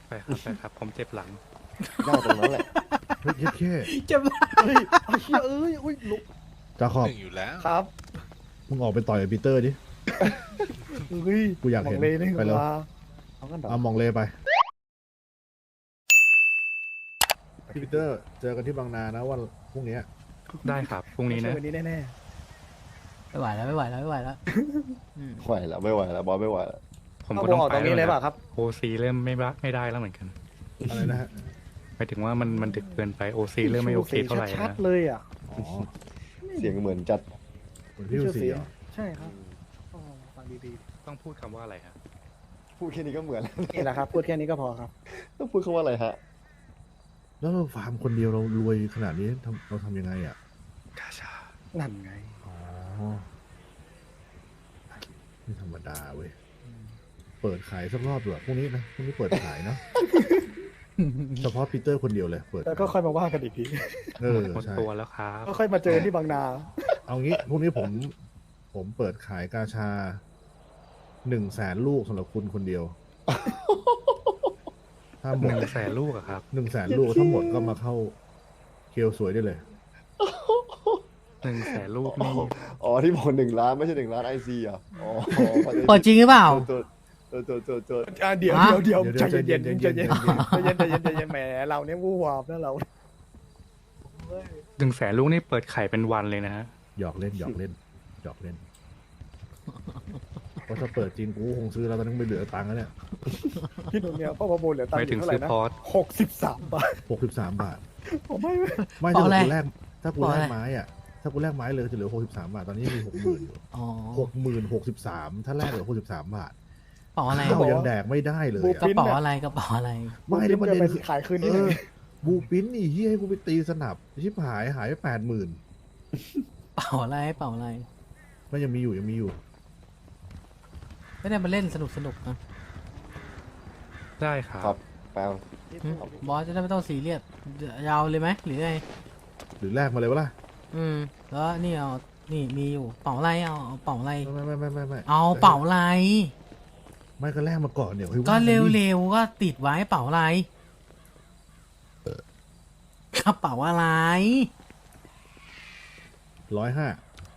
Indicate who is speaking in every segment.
Speaker 1: ไปครับไปครับผมเจ็บหลัง
Speaker 2: ได้ตรงนั้นแหละ
Speaker 3: เฮ้ยแค่
Speaker 4: จะบ้า
Speaker 2: เฮ้ยไอ้เชี่ยเอ้ยอุ้ยลุก
Speaker 3: จาขอบ
Speaker 5: หนึ่งอยู่แล้ว
Speaker 2: ครับ
Speaker 3: มึงออกไปต่อยกับปีเตอร์ดิ
Speaker 2: เฮ้ย
Speaker 3: กูอยากเห็น
Speaker 2: มงเลยนี่
Speaker 3: ไปแล้ว
Speaker 2: ว่าเอากันต่อ
Speaker 3: เอามองเลยไปพี่ปีเตอร์เจอกันที่บางนานะวันพรุ่งนี้
Speaker 1: ได้ครับพรุ่งนี้นะ
Speaker 2: วันนี้แน่
Speaker 4: ไม่ไหวแล้วไม่ไหวแล้วไม่ไหวแล้ว
Speaker 2: ไหวแล้วไม่ไหวแล้วบอสไม่ไหวแล้ว
Speaker 1: ผม
Speaker 2: เอา
Speaker 1: ก็
Speaker 2: บ
Speaker 1: ต้
Speaker 2: อ
Speaker 1: อง
Speaker 2: ก
Speaker 1: ไป
Speaker 2: ตรงนี้เลยเปล่ะครับ
Speaker 1: โอซีเริ่มไม่ได้แล้วเหมือนกัน
Speaker 3: อะไรนะฮะ
Speaker 1: หมายถึงว่ามันดึกเกินไปโอซีเริ่มไม่โอเคเท่าไหร่
Speaker 2: ชัด
Speaker 1: นะ
Speaker 2: ๆเลยอ่ะ
Speaker 3: อ๋อ
Speaker 2: เสียงเหมือนจัด
Speaker 3: เหมือนพี่ดูสีเหรอ
Speaker 2: ใช่ครับอ๋อฟังดี
Speaker 1: ต้องพูดคำว่าอะไรครับ
Speaker 2: ๆพูดแค่นี้ก็เหมือนแล้วนี่แหละครับ พูดแค่นี้ก็พอครับต้องพูดคำว่าอะไรฮะ
Speaker 3: แล้วเราฟาร์มคนเดียวเรารวยขนาดนี้เราทำยังไงอ่ะ
Speaker 1: กาชา
Speaker 2: นั่นไง
Speaker 3: อ๋อไม่ธรรมดาเว้ยเปิดขายสักรอบเถอะพรุ่งนี้นะพรุ่งนี้เปิดขายเนาะเฉพาะปีเตอร์คนเดียวเลยเปิด
Speaker 2: แล้วก็ค่อยมาว่ากันอีกที
Speaker 3: เออ
Speaker 1: หมด
Speaker 3: ใช่
Speaker 1: ตัวแล้วครับ
Speaker 2: ก็ค่อยมาเจอที่บางนา
Speaker 3: เอางี้พรุ่งนี้ผมเปิดขายกาชา100,000 ลูกสำหรับคุณคนเดียว ถ้าหมด
Speaker 1: 100,000 ลูกอะครับ
Speaker 3: 100,000 ลูกทั้งหมดก็มาเข้าเคียวสวยได้เลย
Speaker 1: 100,000 ลูกนี่
Speaker 2: อ๋อที่บอก1 ล้านไม่ใช่1 ล้านไอซีอ่ะอ๋อ
Speaker 4: เปิดจริงหรือเปล่า
Speaker 2: ตัวเดี๋ยว
Speaker 4: ฮะ
Speaker 2: เดี๋ยว
Speaker 3: เดี๋ยว
Speaker 2: ใจเย็น
Speaker 3: ใจ
Speaker 2: ใจ
Speaker 3: เย็
Speaker 2: เย็
Speaker 3: น
Speaker 2: นใจเย็นใจเย็นแหมเราเนี่ยวู่วามนะเรา
Speaker 1: 100,000 ลูกนี่เปิดไข่เป็นวันเลยนะฮะ
Speaker 3: หยอกเล่นหยอกเล่นหยอกเล่นเพราะถ้าเปิดจริงกูคงซื้อแล้วตอนนั้นไม่เหลือตังค์แล้วเนี่ย
Speaker 2: พี่หนุ่มเนี่ยพ่อประมูลเหลือตัง
Speaker 1: ไป
Speaker 2: ค์อ
Speaker 1: ถึง
Speaker 2: ยู่เท่าไห
Speaker 1: ซื้
Speaker 2: ร่
Speaker 1: อ
Speaker 2: นะ
Speaker 1: พอร์ต
Speaker 2: 63 บาท
Speaker 3: 63 บาท
Speaker 2: ผมไม่
Speaker 3: ไม่
Speaker 4: เปล่าอะไร
Speaker 3: ถ้ากูแลกไม้อ่ะถ้ากูแลกไม้เลยจะเหลือ63 บาทตอนนี้มี 60,000 อยู่
Speaker 4: อ๋อ
Speaker 3: 63,000ถ้าแลกเหลือ63 บาท
Speaker 4: เป๋าอะไร
Speaker 3: ข้าวยังแดกไม่ได้เลย
Speaker 4: กระ
Speaker 3: อะ
Speaker 4: เป๋าอะไรกระเป๋าอะไร
Speaker 3: ไม่แล้วประเด็น
Speaker 2: ไป
Speaker 3: คือ
Speaker 2: ขายคืนนี้เลย
Speaker 3: บูปิ้นนี่เฮียให้กูไปตีสนับชิบหายไป80,000
Speaker 4: เป๋าอะไรเป๋าอะไร
Speaker 3: มันยังมีอยู่ยังมีอยู่
Speaker 4: ไม่ได้มาเล่นสนุกนะ
Speaker 1: ได้ครับ
Speaker 2: ครับแปล
Speaker 4: หึบอสจะได้ไม่ต้องซีเรียสยาวเลยไหมหรือไง
Speaker 3: หรือแลกมาเลยวะล่ะ
Speaker 4: แล้วนี่เอานี่มีอยู่เป๋าอะไรเอาเป๋าอะไร
Speaker 3: ไม่
Speaker 4: เอาเป๋าอะไร
Speaker 3: ไม่ก็แลกมาก่อนเดี๋ยวค่อย
Speaker 4: ก็
Speaker 3: ว่ากันดิ
Speaker 4: เร็วๆก็ติดไว้เป๋าอะไรกระเป๋าอะไร
Speaker 3: 105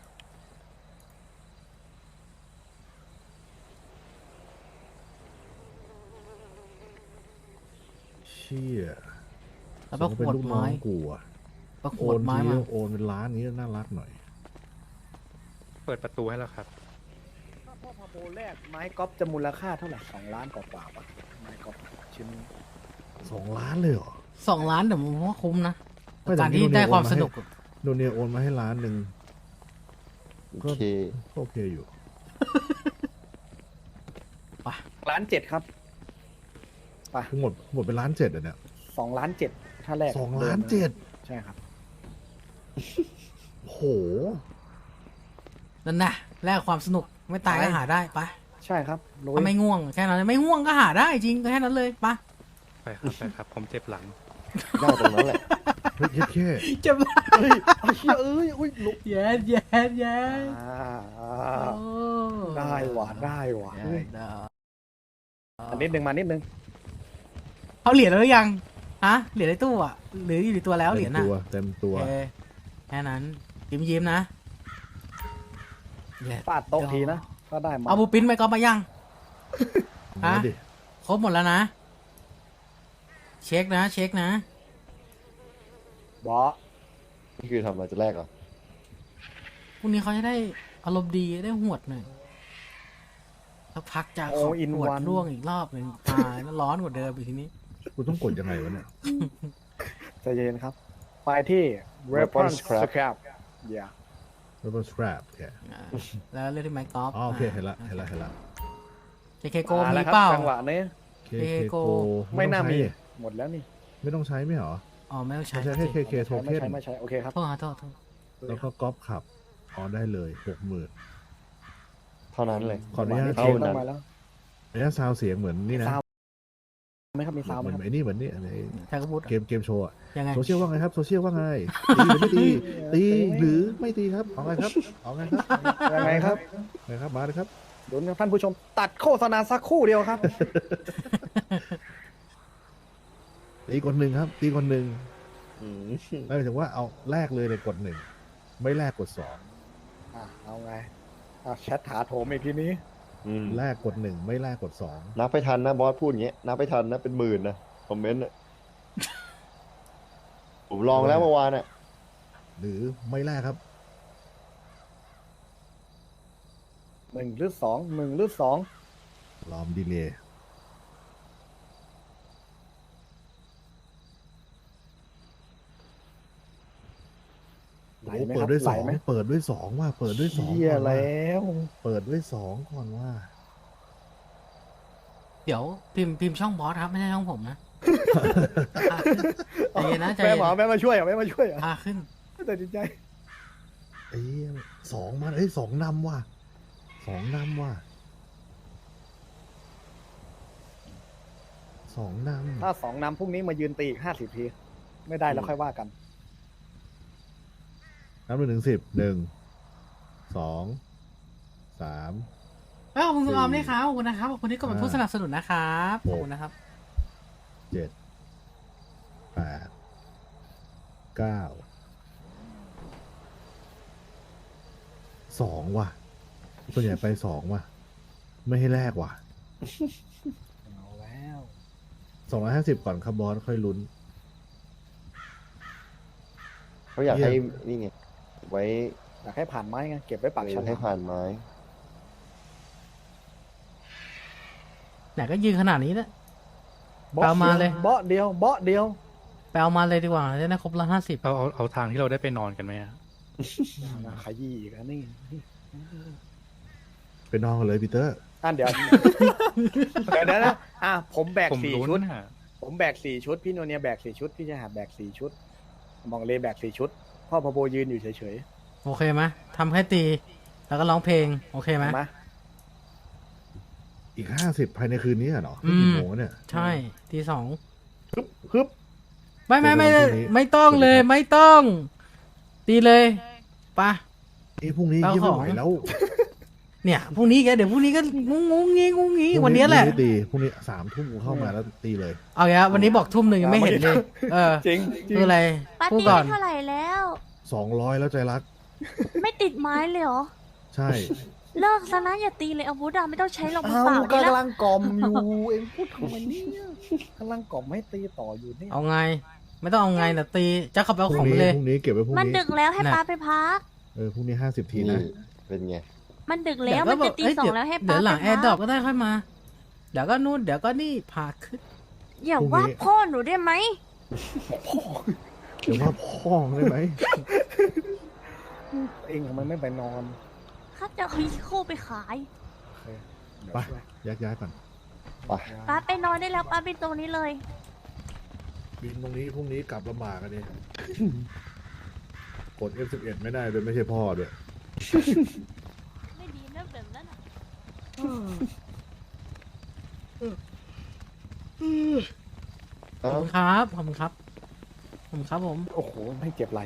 Speaker 3: เชี่ย
Speaker 4: แล้วก็ข
Speaker 3: เป็น
Speaker 4: วด
Speaker 3: ลูกน้อ
Speaker 4: ไม้
Speaker 3: งกูอะ
Speaker 4: ก็ข
Speaker 3: โอ
Speaker 4: วด
Speaker 3: น
Speaker 4: ไม้
Speaker 3: ที
Speaker 4: มา
Speaker 3: โอนเป็นล้านนี้น่ารักหน่อย
Speaker 1: เปิดประตูให้แล้วครับ
Speaker 2: ถ้าพ่อพาโบแรกไม้ก๊อฟจะมูลค่าเท่าไหร่2 ล้านกว่าๆป่ะไม้ก๊อฟชิ้น
Speaker 3: 2 ล้านเลยเหรอ
Speaker 4: 2 ล้านแต่ผมว่าคุ้มนะ
Speaker 3: ไม่แต่
Speaker 4: การที่
Speaker 3: โนเนีย
Speaker 4: ได้ความ
Speaker 3: โอนมาให้
Speaker 4: สนุก
Speaker 3: โดเนียโอนมาให้1 ล้าน
Speaker 2: โอเค
Speaker 3: ก็โอเคอยู่
Speaker 2: 1.7 ครับ
Speaker 3: ทั้งหมดเป็น1.7 ล้านอ่ะเนี่ย
Speaker 2: 2.7 ถ้าแรก
Speaker 3: 2.7 ล้าน
Speaker 2: ใช่ครับ
Speaker 3: โห
Speaker 4: นั่นนะแลกความสนุกไม่ตายก็หาได้ไป
Speaker 2: ใช่ครับลุย
Speaker 4: ถ้าไม่ง่วงแค่นั้นไม่ง่วงก็หาได้จริงก็แค่นั้นเลยไป
Speaker 1: ไปครับไปครับผมเจ็บหลัง
Speaker 2: ได้ตรงนั้นแหละ
Speaker 3: เฮ้ยแค่
Speaker 4: จะบ้า
Speaker 2: เฮ้ยไอ้เชี่ยเอ้ยอุ้ยลุก
Speaker 4: แย่แย่แย่
Speaker 2: ได้ว่ะได้ว่ะเฮ้ย
Speaker 4: ได้
Speaker 2: อันนิดนึงมานิดนึง
Speaker 4: เอาเหรียญแล้วหรือยังฮะเหรียญในตู้อ่ะหรืออยู่ในตัวแล้วเหรียญ
Speaker 3: เต็ม
Speaker 4: น่ะ
Speaker 3: ตัวเต็มตัว
Speaker 4: โอเคแค่นั้นยิ้มนะ
Speaker 2: ฟาดโต๊ะทีนะก็ได้มา
Speaker 4: เอาบูปิ้นไปก็มายัง
Speaker 3: มา
Speaker 4: ฮะ
Speaker 3: ดิ
Speaker 4: ครบหมดแล้วนะ เช็คนะ
Speaker 2: บอส
Speaker 6: นี่คือทำอะไรจะแรกเหรอ
Speaker 4: พรุ่งนี้เขาจะได้อารมณ์ดีได้หวดหน่อยสักพักจะขอหวดร่วงอีกรอบหนึ่งตายแล้วร้อนกว่าเดิมอีกทีนี้
Speaker 3: กูต้องกดยังไงวะเนี่ย
Speaker 2: ใจเย็นครับ ไปที่ reference scrap อย่า
Speaker 3: แล้วก็ scrap โอเค
Speaker 4: แล้วเรื่องที่ไมค์กอล์ฟ
Speaker 3: อ๋อโอเคเห็นละ
Speaker 4: เจเคโก
Speaker 2: มา
Speaker 4: มี
Speaker 2: แล้วครับ
Speaker 4: เปล่า
Speaker 2: จังหวะนี้
Speaker 3: เค
Speaker 4: เอ
Speaker 3: เค
Speaker 4: โก
Speaker 3: โก
Speaker 2: ไม่น่ามี
Speaker 3: ต้องใช้
Speaker 2: หมดแล้วนี่
Speaker 3: ไม่ต้องใช้ไม่เหรอ
Speaker 4: อ๋อไม่ต้องใช้
Speaker 3: ไม่ใช่แค่เคเคโท
Speaker 2: ไม่
Speaker 3: เค็น
Speaker 2: ใช่ไม่ใช่โอเคครับ
Speaker 4: โทษโทษ
Speaker 3: แล้วก็ก๊อปขับอ๋อได้เลย 60,000
Speaker 6: เท่านั้นเลย
Speaker 3: ขออนุญาต
Speaker 2: เท่า
Speaker 3: เช็ค
Speaker 2: นั้นมาแล้ว
Speaker 3: ระยะซาวเสียงเหมือนนี่นะ
Speaker 2: ซาวไหมครับมีซาวไห
Speaker 3: เห
Speaker 2: ม
Speaker 3: มือน
Speaker 2: ครับ
Speaker 3: ไอ้นี่เหมือนนี่อะไร
Speaker 4: ใครก็พูด
Speaker 3: เกมโชว์อะ
Speaker 4: ยังไง
Speaker 3: โซเชียลว่าไงครับโซเชียลว่าไงตีหรือไม่ตีตีหรือไม่ตีครับเอาไงครับเอาไงครับ
Speaker 2: ยังไงครับ
Speaker 3: ไงครับมาเลยครับ
Speaker 2: ดูนะท่านผู้ชมตัดโฆษณาสักครู่เดียวครับ
Speaker 3: ตีกดหนึ่งครับ ตีกดหนึ่ง
Speaker 6: อืม
Speaker 3: หมายถึงว่าเอาแรกเลยในกดหนึ่งไม่แรกกดสอง
Speaker 2: เอาไงแชทถาโถมอีกทีนี้
Speaker 6: อืม
Speaker 3: แรกกดหนึ่งไม่แรกกดสอง
Speaker 6: นับไปทันนะบอสพูดอย่างเงี้ยนับไปทันนะเป็นหมื่นนะคอมเมนต์อะผมลองแล้วเมื่อวานอ่ะ
Speaker 3: หรือไม่แรกครับ
Speaker 2: 1 หรือ 2 1 หรือ 2
Speaker 3: ลอมดีเลย์
Speaker 2: ไหล
Speaker 3: โอ้
Speaker 2: ไหม
Speaker 3: เปิ
Speaker 2: ค
Speaker 3: ด
Speaker 2: รับ
Speaker 3: ด้วย
Speaker 2: ไห
Speaker 3: ส
Speaker 2: ล
Speaker 3: อง
Speaker 2: ไหม
Speaker 3: เปิดด้วยสองว่าเปิดด้วยสอง
Speaker 2: เฮีย
Speaker 3: ก่อนว่า
Speaker 2: แล้ว
Speaker 3: เปิดด้วยสองก่อนว่า
Speaker 4: เดี๋ยวพิมพ์ช่องบอสครับไม่ใช่ช่องผมนะใจเย็นนะใจ
Speaker 2: แม่
Speaker 4: เย็น
Speaker 2: หมอแม่มาช่วยเหรอแม่มาช่วยเหรอ
Speaker 4: พาขึ้น
Speaker 2: แต่ดีใจ
Speaker 3: เอ้ยสองมาเอ้ยสองนำว่ะสองนำว่ะสองนำ
Speaker 2: ถ้า 2 นำพรุ่งนี้มายืนตีอีก50 ทีไม่ได้แล้วค่อยว่ากัน
Speaker 3: นับหนึ่งถึง 10 1 2 3
Speaker 4: ขอบคุณคุณออมด้วยครับขอบคุณนะครับขอบคุณที่กดเป็นผู้สนับสนุนนะครับขอบคุณนะครับ
Speaker 3: 7 8 9 2ว่ะส่วนใหญ่ไป2ว่ะ ไม่ให้แลกว่ะ
Speaker 2: เอาแล้ว
Speaker 3: 250 ก่อนครับบอสค่อยลุ้น
Speaker 6: เขาอยากให้นี่ไงไว้
Speaker 2: อยากให้ผ่านไม้ไงเก็บไว้ปากฉลาม
Speaker 6: ให้ผ่านไม้
Speaker 4: ไหนก็ยืนขนาดนี้แล้ว
Speaker 2: บาะ
Speaker 4: เอามาเลย
Speaker 2: เบาะเดียวเบาะเดียว
Speaker 4: ไปเอามาเลยดีกว่าจะได้ครบ150
Speaker 1: เอาทางที่เราได้ไปนอนกันไหมอะ
Speaker 2: ขยี้อีกอันนี่
Speaker 3: ไปนอนกันเลยปีเตอร์
Speaker 2: เดี๋ยวนะผมแบก
Speaker 1: ผม
Speaker 2: 4
Speaker 1: ลุ้น
Speaker 2: ชุด
Speaker 1: อะ
Speaker 2: ผมแบก4 ชุดพี่โนเนียแบก4 ชุดพี่ชายหาดแบก4 ชุดมองเลแบก4 ชุดพ่อพะโบยืนอยู่เฉย
Speaker 4: โอเคไหมทำแค่ตี แล้วก็ร้องเพลงโอเค
Speaker 2: ๆ
Speaker 4: ไหม
Speaker 2: เห็นไหม
Speaker 3: อีก 50 ภายในคืนนี้เหรอ
Speaker 4: อืม
Speaker 3: กี่โมงวะเนี่ย
Speaker 4: ใช่ตี 2
Speaker 2: ฮึบ
Speaker 4: ไม่
Speaker 3: เดี๋ยววันพรุ่งนี้
Speaker 4: ไม่ต้องเลยไม่ต้อง ตีเลยปะ
Speaker 3: พรุ่งนี้
Speaker 4: เอา
Speaker 3: ยี่ไม่
Speaker 4: ของ
Speaker 3: ไหวแล้ว
Speaker 4: เนี่ยพรุ่งนี้แกเดี๋ยวพรุ่งนี้ก็งงงี้วันนี้แหละ
Speaker 3: พรุ่งตีพรุ่งนี้3 ทุ่มกูเข้ามาแล้วตีเลย
Speaker 4: เอาอย่างวันนี้บอกทุ่มหนึ่งยังไม่เห็นเลยเออ
Speaker 2: จริง
Speaker 4: คืออะไร
Speaker 5: ปาร์
Speaker 4: พูด
Speaker 5: ตี้
Speaker 4: ก่อน
Speaker 5: เท่าไหร่แล้ว
Speaker 3: 200 แล้วใจรัก
Speaker 5: ไม่ติดไม้เลยเหรอ
Speaker 3: ใช่
Speaker 5: เลิกซะนะอย่าตีเลยอาวุธอะไม่ต้องใช้หรอกมือ
Speaker 2: เอา
Speaker 5: เปล่าดีแล้ว
Speaker 2: กำลังกล่อมอยู่เองพูดทำไมเนี่ยกำลังกล่อมให้ตีต่ออยู่เนี่ย
Speaker 4: เอาไง ไม่ต้องเอาไงแต่ตีจะขับไปเอา
Speaker 3: พ
Speaker 4: ข
Speaker 3: รุ่
Speaker 4: อง ง
Speaker 3: นี้
Speaker 4: ไปเลย
Speaker 3: พรุ่งนี้เก็บไว้พรุ่ง
Speaker 5: มัน
Speaker 3: นี้
Speaker 5: ดึกแล้วให้
Speaker 4: น่ะ
Speaker 5: ป้าไปพัก
Speaker 3: พรุ่งนี้50 ที
Speaker 6: นี่
Speaker 3: นะ
Speaker 6: เป็นไง
Speaker 5: มันดึกแล้วมันจะตี
Speaker 4: เอ้ย
Speaker 5: สองแล้วให้
Speaker 4: เดี๋
Speaker 5: ป้า
Speaker 4: ยวห
Speaker 5: ไป
Speaker 4: ลังแอ
Speaker 5: พั
Speaker 4: ร์ดรอปก็ได้ค่อยมา เดี๋ยวก็นู่นเดี๋ยวก็นี่พาขึ้น
Speaker 5: อย่าว่าพ่อหนูได้ไหม
Speaker 3: เดี๋ยวว่าพ่องได้ไหม
Speaker 2: เองทำไมไม่ไปนอน
Speaker 5: ข้าจะเอาอีโคไปขาย
Speaker 2: เดี๋ยว
Speaker 3: ไป
Speaker 2: ช่วย
Speaker 3: แยกย้ายก่อน
Speaker 6: ไป
Speaker 5: ป้าไปนอนได้แล้วป้าไปตรงนี้เลย
Speaker 3: บินตรงนี้พรุ่งนี้กลับลำบากกันเนี่ยกด F11 ไม่ได้เลยไม่ใช่พ่อด้วย
Speaker 5: ไม่ดีนะแบบนั้นอะ
Speaker 4: ขอบคุณครับขอบคุณครับขอบคุณครับผม
Speaker 2: โอ้โหไม่เจ็บไหล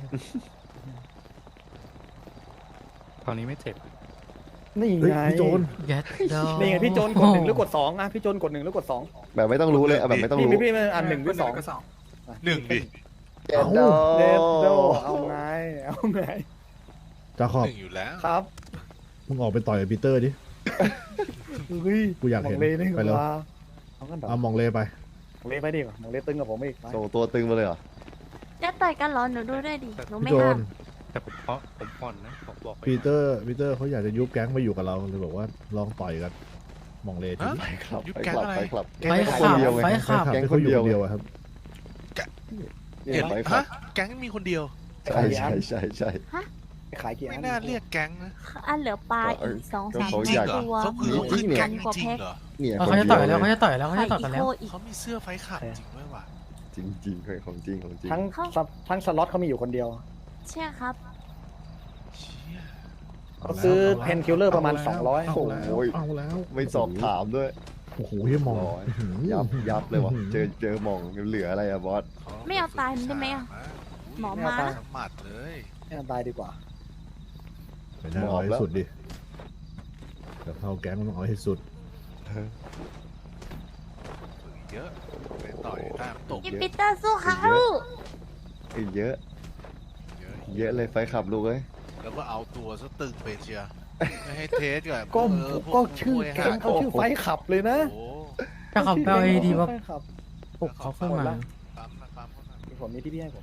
Speaker 1: ตอนนี้ไม่เจ็บ
Speaker 2: นี่
Speaker 3: เฮ้ย
Speaker 2: ไง
Speaker 3: พี่โจน
Speaker 4: แย็ดดอ
Speaker 2: นี่ไงพี่โจนกด 1 หรือกด 2พี่โจนกด 1 หรือกด 2
Speaker 6: แบบไม่ต้องรู้เลยเอาแบบไม่ต้อง
Speaker 2: พี่
Speaker 6: รู้
Speaker 2: พี่อัน1 หรือ 2
Speaker 7: 1 ดิ
Speaker 6: เจ็ดโด
Speaker 2: เดดโดเอาไงเอาไง
Speaker 3: จาขอบ
Speaker 7: 1 อยู่แล้ว
Speaker 2: ครับ
Speaker 3: มึงออกไปต่อยกับปีเตอร์ดิ
Speaker 2: เฮ้ย
Speaker 3: กูอยากเห็น
Speaker 2: มงเลนี่
Speaker 3: ไปเลย
Speaker 2: ว่าเอากันต่อ
Speaker 3: เอามองเลไป
Speaker 2: มองเลไปดิมองเลตึงกับผมอีกไป
Speaker 6: ส่งตัวตึงมาเลยเหรอ
Speaker 5: จะต่อยกันเหรอหนูดูด้วยดิหนูไม่
Speaker 3: พี่โจ
Speaker 5: ห้าน ม
Speaker 1: แต่ผมผ่อนนะบอกไป
Speaker 3: ปีเตอร์เขาอยากจะยุบแก๊งมาอยู่กับเราเลยบอกว่าลองต่อยกันมองเลที
Speaker 7: ฮะ
Speaker 6: ไปครับ
Speaker 7: ยุบ
Speaker 6: ไป
Speaker 7: แก๊ง
Speaker 6: คลับ
Speaker 7: อะไร
Speaker 6: ไปคลับ
Speaker 4: ไฟ
Speaker 6: ค
Speaker 4: ขั
Speaker 6: น
Speaker 4: บ
Speaker 6: เดียวไง
Speaker 4: ไฟขับ
Speaker 6: แก๊ง
Speaker 3: ที่
Speaker 6: คนเดียว
Speaker 3: เดียวอะครับ
Speaker 6: เนี่ย
Speaker 7: เห็น
Speaker 6: ไปคลั
Speaker 7: ฮะ
Speaker 6: บ
Speaker 7: แก๊งมีคนเดียว
Speaker 6: ใช่ใช่ใช่ใช่
Speaker 2: ไปขายกี่อั
Speaker 7: ไม่
Speaker 2: น
Speaker 7: น่าเรียกแก๊งนะ
Speaker 5: อันเหลือปลาอีก2-3
Speaker 6: เขา
Speaker 7: จริ
Speaker 6: อง ยาก
Speaker 7: เหรอ
Speaker 5: ตัว
Speaker 7: เขาคือ
Speaker 6: มีที่เนี่ย
Speaker 7: แก๊งจริงเหรอ
Speaker 6: เนี่ย
Speaker 4: เออ
Speaker 6: คน
Speaker 4: เขาจะ
Speaker 6: เดี
Speaker 4: ต่
Speaker 6: ย
Speaker 4: อ
Speaker 6: วย
Speaker 4: แล้วเขาจะต่อยแล้วเขา
Speaker 5: ไข่
Speaker 4: จะต่อย
Speaker 5: อี
Speaker 4: กัน
Speaker 5: โค
Speaker 4: แล้ว
Speaker 5: อีก
Speaker 7: เขามีเสื้อไฟขาดจริงด้วยว่ะ
Speaker 6: จริงจริงๆของจริงของจริง
Speaker 2: ทั้งสล็อตเขามีอยู่คนเดียว
Speaker 5: ใช่ครับ
Speaker 7: เชี่ย
Speaker 2: เขาซื้อเพนคิลเลอร์ประมาณ 200
Speaker 3: เอาแล้ว
Speaker 6: ไม่สอบถามด้วย
Speaker 3: โอ้โหเฮียมอง
Speaker 6: ร้อยยับเลยว่ะเจอมองเหลืออะไรอะบอส
Speaker 5: ไม่เอาตายมันได้ไหมอะ หมอม้า
Speaker 7: สมัดเลย
Speaker 2: ไม่ตายดีกว่า
Speaker 3: ไม่น่าเอาให้สุดดิแต่เข้าแก๊งมันต้องเอาให้สุด
Speaker 7: ฝึกเยอะไปต่อต่อยตามตก
Speaker 5: พี่
Speaker 7: เยอะ
Speaker 5: ปีเตอร์สู้เขา
Speaker 6: เยอะ
Speaker 7: เยอะ
Speaker 6: เยอะเลยไฟขับลูกเอ้ย
Speaker 7: แล้วก็เอาตัวซะตึงไปเชียร์ไม่ให้เทสกับ
Speaker 2: ก็
Speaker 7: พว
Speaker 2: ก็ชื่อแก๊งเขาชื่อไฟขับเลยนะ
Speaker 7: โอ้โห
Speaker 4: ถ้าเขาไปเอาไอดีมา
Speaker 2: ไฟขับ
Speaker 4: ปลุกเขาขึ้นมา
Speaker 7: ปั๊มนะปั๊มนะ
Speaker 2: มีผมมีที่พี่ให้ผม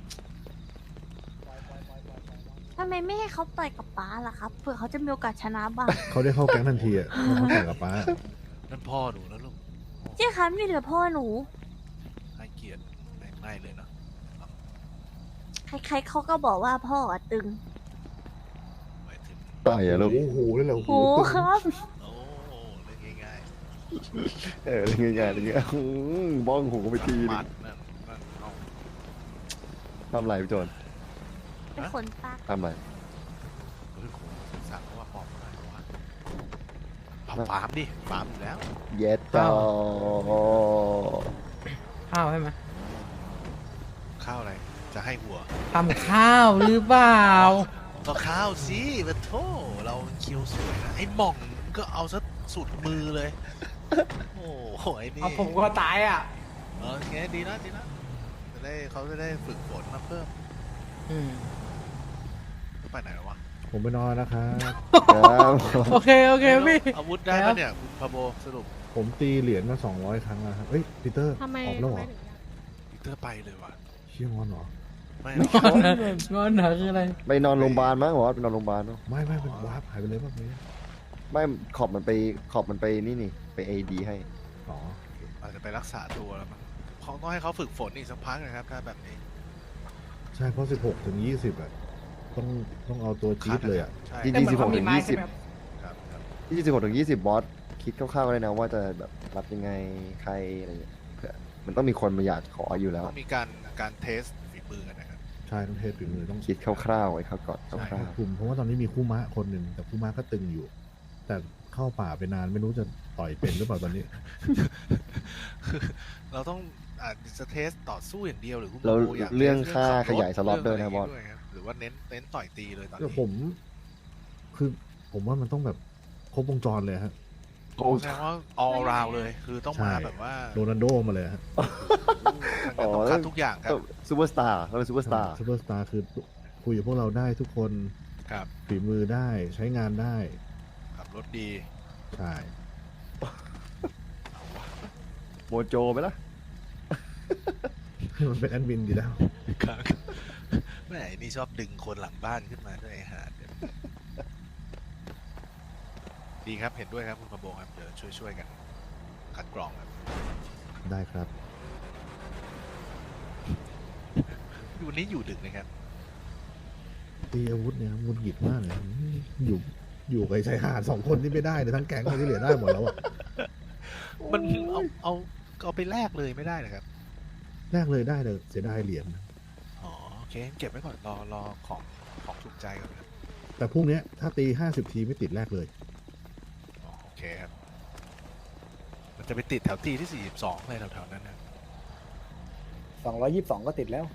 Speaker 5: ทำไมไม่ให้เขาต่อยกับป้าล่ะครับเผื่อเขาจะมีโอกาสชนะบ้าง
Speaker 3: เขาได้เข้าแก๊งทันทีอ่ะเขาแต่กับป้า
Speaker 7: นั่นพ่อหนูนะลูก
Speaker 5: เจ๊ครับนี่เหลือพ่อหนู
Speaker 7: ให้เกียรติไม่เลยเนาะ
Speaker 5: ใครๆเขาก็บอกว่าพ่ออะตึง
Speaker 7: หมายถึง
Speaker 6: ต่อยอะลูก
Speaker 3: โอ้โหเลยเหรอ
Speaker 5: โหครับ
Speaker 7: โอ้เรื่องง่าย
Speaker 6: เออง่ายๆอย่างเงี้ยบ้องหูไปที
Speaker 7: ๆ
Speaker 6: นึ
Speaker 7: มั
Speaker 6: ง
Speaker 7: ดนั่นเอา
Speaker 6: ทำไรพี่โจน
Speaker 5: เป็นขนตา
Speaker 6: ทำไร
Speaker 7: เฮ้ยโหสั่งเขาว่าปอบอะไรวะเอาฟาร์มดิฟาร์มอยู่แล้ว
Speaker 6: เย็ดจอ
Speaker 4: ข้าวใช่ไหม
Speaker 7: ข้าวอะไรจะให้หัว
Speaker 4: ทำข้าวหรือเปล่า
Speaker 7: ก็ข้าวสิมาโถเราเคียวสวยนะไอ้หม่องก็เอาซะสุดมือเลย โอ้โหไอ้นี่
Speaker 4: เอาผมก็ตายอ่ะ
Speaker 7: โอเคดีนะเขาจะได้ฝึกฝนมาเพิ่ม
Speaker 4: อืม
Speaker 7: เขาไปไหนแล้ววะ
Speaker 3: ผมไปนอนนะครับ
Speaker 6: ครับ
Speaker 4: โอเคพี่
Speaker 7: อาวุธได้
Speaker 4: ครั
Speaker 7: ปะ
Speaker 4: บ
Speaker 7: เนี่ยคุณพาโบสรุป
Speaker 3: ผมตีเหรียญมา200 ครั้งแล้วครับเอ้ยปีเตอร์
Speaker 8: ทำไม
Speaker 3: ออกแล้วเหรอ
Speaker 7: พีเตอร์ไปเลยว่ะ
Speaker 3: เชี่ยงอนเหรอ
Speaker 7: ไม่
Speaker 4: งอนเหรองอนเหรอคืออะไร
Speaker 6: ไปนอนโรงพยาบาลมั้งหรอไปนอนโรงพยาบาลเนาะ
Speaker 3: ไม่เป็นวาร์ปหายไปเลยแบบนี้
Speaker 6: ไม่ขอบมันไปนี่ไปเอดีให้
Speaker 3: อ๋อ
Speaker 7: อาจจะไปรักษาตัวแล้วมั้งเขาต้องให้เขาฝึกฝนอีกสักพักนะครับถ้าแบบนี้
Speaker 3: ใช่เพราะ16 ถึง 20อ่ะต้องเอาตัวจี๊ดเลยอ่ะ
Speaker 7: ใช่
Speaker 6: ที่
Speaker 7: ครับ
Speaker 6: 26 ถึง
Speaker 7: ครับ
Speaker 6: 20 26 ถึง 20 บอสคิดคร่าวๆก็ได้นะว่าจะแบบรับยังไงใครอะไรอย่างเงี้ยเผื่อมันต้องมีคนมาอยากขออยู่แล้ว
Speaker 7: ต้องมีการเทสฝีมือกันนะครับ
Speaker 3: ใช่ต้องเทสฝีมือต้อง
Speaker 6: คิดคร่าวๆไว้ครับก่อนค
Speaker 7: ใช่
Speaker 6: ร่าว
Speaker 3: กลุ่มเพราะว่าตอนนี้มีคู่ม้าคนหนึ่งแต่คู่ม้าก็ตึงอยู่ แต่เข้าป่าไปนานไม่รู้จะต่อยเป็นหรือเปล่าตอนนี้
Speaker 7: คือเราต้องอาจจะเทสต่อสู้อย่างเดียวหรือคุณ
Speaker 6: ๆแล้ว
Speaker 7: โบอยาก
Speaker 6: เรื่อง
Speaker 7: ทส
Speaker 6: ค่า
Speaker 7: ขั
Speaker 6: ขยายสล็อตด้วยนะบอส
Speaker 7: เงะไรย่างงี้ครับหรือว่าเน้นต่อยตีเลยตอน
Speaker 3: ก็
Speaker 7: นี้
Speaker 3: ผมว่ามันต้องแบบครบวงจรเลยฮะ
Speaker 7: โอ้แสดงว่า all round เลยคือต้องมา
Speaker 3: ใช่
Speaker 7: แบบว่า
Speaker 3: โรนัลโดมาเลยฮะ
Speaker 7: ต้องคัดทุกอย่างครับ
Speaker 6: ซูเปอร์สตาร์เราเป็นซูเปอร์สตาร์
Speaker 3: ซูเปอร์สตาร์คือคุยกับพวกเราได้ทุกคน
Speaker 7: ครับ
Speaker 3: ฝีมือได้ใช้งานได้
Speaker 7: ขับรถดี
Speaker 3: ใช่
Speaker 6: โมโจไปละ
Speaker 3: มันเป็นแอดมินดีแล้ว
Speaker 7: ครับแม่ไอ้นี่ชอบดึงคนหลังบ้านขึ้นมาด้วยไอ้หาดเนี่ยดีครับเห็นด้วยครับคุณพะโบครับเดี๋ยวช่วยกันคัดกรองครับ
Speaker 3: ได้ครับ
Speaker 7: วันนี้อยู่ดึกนะครับ
Speaker 3: ตีอาวุธเนี่ยมุนหงิดมากเลยอยู่กับไอ้ชายหาด2 คนที่ไม่ได้เลยทั้งแก๊งเลยที่เหลือได้หมดแล้วอ่ะ
Speaker 7: มันเอาไปแลกเลยไม่ได้นะครับ
Speaker 3: แรกเลยได้แต่เสียดายเหรียญ
Speaker 7: อ๋อโอเคเก็บไว้ก่อนรอของถูกใจก่อนครับ
Speaker 3: แต่พรุ่งเนี้ยถ้าตี50 ทีไม่ติดแรกเลย
Speaker 7: อ๋อโอเคครับมันจะไปติดแถวตีที่42อะไรแถวๆนั้นนะ
Speaker 2: 222 ก็ติดแล้ว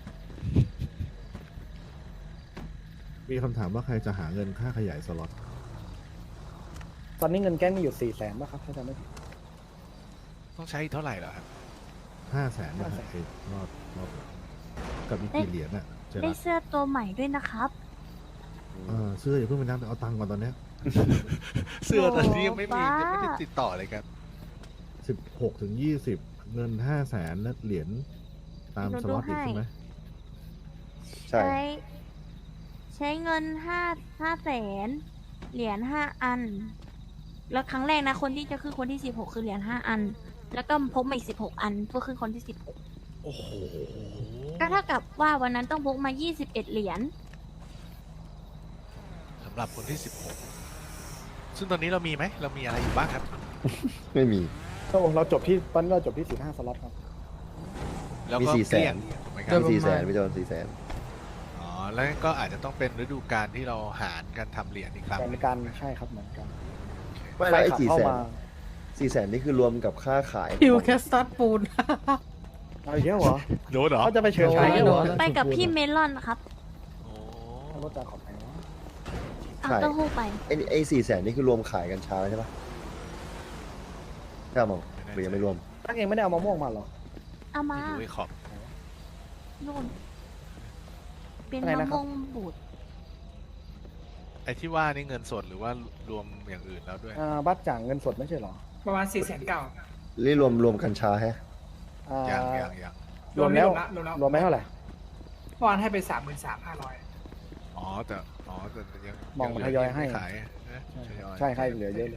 Speaker 3: มีคำถามว่าใครจะหาเงินค่าขยายสล็อต
Speaker 2: ตอนนี้เงินแก๊งมีอยู่ 400,000ป่ะครับถ้าจำไม่ผิด
Speaker 7: ต้องใช้เท่าไหร่เหรอครับ
Speaker 3: 500,000นะฮะไอ้รอบกับอีกกี่เหรียญน่ะเจ
Speaker 5: ได้
Speaker 3: รัส
Speaker 5: เสื้อตัวใหม่ด้วยนะครับ
Speaker 3: เสื้ออย่าเพิ่งไปนับเอาตังค์ก่อนตอนเนี้ย
Speaker 7: เสื้อตอนนี้ยังไม่มี
Speaker 5: บ้า
Speaker 7: ยังไม่ได้ติดต่อเลยครับ
Speaker 3: 16 ถึง 20 เงิน 500,000และเหรียญตามสล็อตอีกใช่ไหม
Speaker 6: ใช่
Speaker 5: ใช้เงิน500,000เหรียญ5 อัน แล้วครั้งแรกนะคนที่จะขึ้นคนที่16คือเหรียญ5 อัน แล้วก็พกมาอีก16 อันเพื่อขึ้นคนที่16
Speaker 7: โอ้โห
Speaker 5: ก็เท่ากับว่าวันนั้นต้องพกมา21เหรียญ
Speaker 7: สำหรับคนที่16ซึ่งตอนนี้เรามีไหมเรามีอะไรอยู่บ้างครับ
Speaker 6: ไม่มี
Speaker 2: โอ้เราจบที่ตอนนี้เราจบที่15 สล็อตครับ
Speaker 7: แล้ว
Speaker 6: มี
Speaker 7: ก็
Speaker 6: 400,000
Speaker 7: เกลี้ยงถูกไหมค
Speaker 4: เดี๋
Speaker 7: รั
Speaker 4: ย
Speaker 7: บ
Speaker 4: ว
Speaker 6: มี400,000พี่โจน400,000
Speaker 7: อ๋อแล้วก็อาจจะต้องเป็นฤดูกาลที่เราหารกันทำเหรียญอีกครั้ง
Speaker 2: เหมือนกันใช่ครับเหมือนกัน
Speaker 6: ไม่แล้วไอ้
Speaker 2: ขับเข้ามา
Speaker 6: 400,000นี่คือรวมกับค่าขาย
Speaker 4: ฮิวแคสตัดปูน
Speaker 2: เอาอีกแล้วเหรอ
Speaker 7: โดนเหรอ
Speaker 2: เขาจะไปเชิญ
Speaker 4: โดน
Speaker 2: ใช้กันเหรอ
Speaker 4: โดน
Speaker 5: ไปกับพี่เมลอนครับ
Speaker 7: โอ้
Speaker 2: รถจากขอบไหนวะ
Speaker 5: เอาเต้าหู้ไป
Speaker 6: ไอ้400,000นี่คือรวมขายกันช้าใช่ปะใช่มั้งหรือยังไม่รวม
Speaker 2: ตั้งเองไม่ได้เอามะม่วงมาเหรอ
Speaker 5: เอามา
Speaker 7: ไม่รู้ไอ้ขอบ
Speaker 5: นู่นเป็น
Speaker 2: อะไร
Speaker 5: มะ
Speaker 2: นะครับ
Speaker 5: ม่วงบูด
Speaker 7: ไอ้ที่ว่านี่เงินสดหรือว่ารวมอย่างอื่นแล้วด้วย
Speaker 2: บัตรจ่างเงินสดไม่ใช่เหรอ
Speaker 8: ประมาณ4,900,000
Speaker 6: นี่รวมกัญชาแฮะ
Speaker 2: อ่า
Speaker 7: ยัง
Speaker 2: รวมแล้ว
Speaker 8: รวมแล้ว
Speaker 2: รวมไหมเท่าไหร่
Speaker 8: เมื่อวานให้ไป33,500
Speaker 7: อ๋อแต่ยัง
Speaker 2: มองทยอยให้
Speaker 7: ขายนะทยอย
Speaker 2: ใช่ให้เหลือเยอะเลย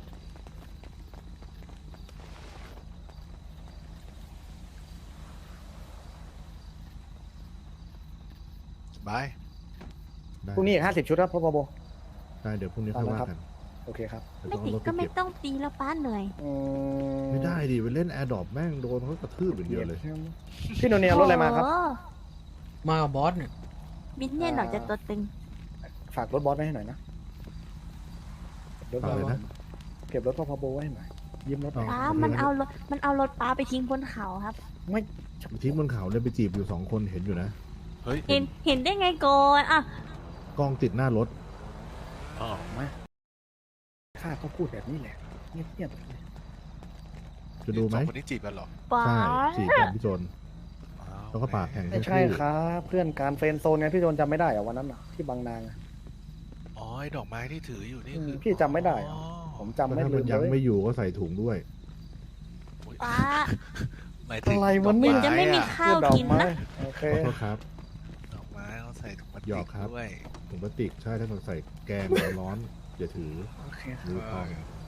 Speaker 7: บาย
Speaker 3: ได้
Speaker 2: พรุ่งนี้อีก50 ชุดครับพ่อโบ
Speaker 3: ได้เดี๋ยวพรุ่งนี้ค่อยว่ากัน
Speaker 2: โอเคครับ
Speaker 3: เดี๋ยว
Speaker 5: ไม่
Speaker 3: ต้องเอารถไป
Speaker 5: ติดก็ไม่
Speaker 3: เก็บ
Speaker 5: ต้องตีแล้วป้าเหนื่อย
Speaker 3: ไม่ได้ดิไปเล่นแอร์ดรอปแม่งโดนเขากระทืบอย่างเดียวเลย
Speaker 2: พี่โนเนียรถอะไรมาครับ
Speaker 5: โอ้
Speaker 4: มากับบอสเนี่ย
Speaker 5: มินเนี่ยนหน่อยจะตัวตึง
Speaker 2: ฝากรถบอสไว้ให้หน่อยนะรถบอส
Speaker 3: ฝากเลยนะ
Speaker 2: เก็บรถพ่อโบไว้ให้หน่อยยืมรถหน่อย
Speaker 5: ป้า
Speaker 3: โอเค
Speaker 5: มันเอารถป้าไปทิ้งบนเขาครับ
Speaker 2: ไม่
Speaker 3: ทิ้งบนเขาเนี่ยไปจีบอยู่2 คนเห็นอยู่นะ
Speaker 7: เฮ้ย
Speaker 5: เห็นได้ไงก่อนอ่ะ
Speaker 3: กล้องติดหน้ารถ
Speaker 7: อ๋อ
Speaker 2: มาข้าก็พูดแบบนี้แหละเงียบๆเลย
Speaker 3: จะดูไหม
Speaker 7: สองคนนี้จีบกันเหรอ
Speaker 5: ป้า
Speaker 3: ใช่จีบกันพี่โจน
Speaker 7: อ้าว
Speaker 3: แล้วก็ปากแข่ง
Speaker 2: ไม่ใช่ครับเพื่อนการเฟรนด์โซนไงพี่โจนจำไม่ได้เหรอวันนั้นน่ะที่บางนางอะ
Speaker 7: อ๋อไอ้ดอกไม้ที่ถืออยู่นี่คือ
Speaker 2: พี่จำไม่ได้เหรอ
Speaker 7: อ๋อ
Speaker 2: ผมจำ
Speaker 3: แล้ว
Speaker 2: ไม่
Speaker 3: ถ้า
Speaker 2: ลื
Speaker 3: มัน
Speaker 2: ม
Speaker 3: ยัง
Speaker 2: เลย
Speaker 3: ไม่อยู่ก็ใส่ถุงด้วย
Speaker 5: ป้า
Speaker 7: หมายถึง
Speaker 2: อะไร
Speaker 7: ด
Speaker 2: วะ
Speaker 7: อก
Speaker 2: เนี่ย
Speaker 7: ไม้
Speaker 5: จะไม่มี
Speaker 7: อะ
Speaker 5: ข้าวกินนะ
Speaker 2: โอเค
Speaker 3: ขอโทษครับ
Speaker 7: ดอกไม้เขาใส่ถุงพลาส
Speaker 3: หย
Speaker 7: ติ
Speaker 3: อก
Speaker 7: ก
Speaker 3: ครับ
Speaker 7: ด้วย
Speaker 3: ถุงพลาสติกใช่ถ้าเราใส่แกงร้อนๆอย่าถือ
Speaker 2: โอเค
Speaker 3: หรือพอง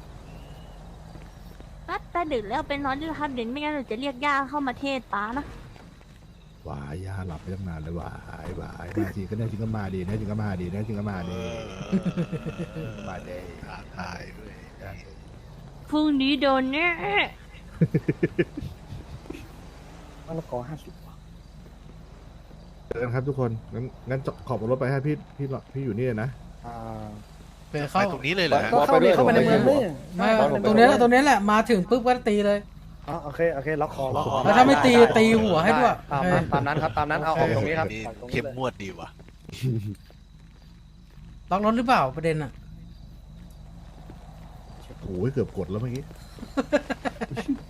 Speaker 5: ป้าแต่ดึกแล้วเป็นนอนด้วยครับเดี๋ยวไม่งั้นเราจะเรียกย่าเข้ามาเทศป้านะ
Speaker 3: วายยาหลับไปตั้งนานเลยวายมาจริงก็แน่จริงก็มาดีแน่จริงก็มาดีแน่จริงก็มาดี มาดี
Speaker 7: ท้าทายด้วย
Speaker 5: พรุ่งนี้โดนแน่
Speaker 2: มะละกอ50
Speaker 3: เจอกันครับทุกคนงั้นขอบรถไปให้พี่อยู่นี่เลยนะ
Speaker 2: อ่า
Speaker 4: ไป
Speaker 7: ไป
Speaker 4: เข้า
Speaker 7: ตรงนี้เลยเหรอฮะ
Speaker 2: ก็เข้าเข้าไปในเมืองเลย
Speaker 4: ไม่ตรงนี้แหละมาถึงปุ๊บก็ตีเลย
Speaker 2: อ๋อโอเคล็อกคอล็อกคอ
Speaker 4: แล้วถ้าไม่ตีตีหัวให้ด้วย
Speaker 2: ตามนั้นครับตามนั้นเอาออกตรงนี้ครับ
Speaker 7: นี่
Speaker 2: ออกตรงนี้
Speaker 7: เข้ม
Speaker 2: เลย
Speaker 7: งวดดีว่ะ
Speaker 4: ล็อกรถหรือเปล่าประเด็นอ่ะ
Speaker 3: โอ้ยเกือบกดแล้วเมื่อกี้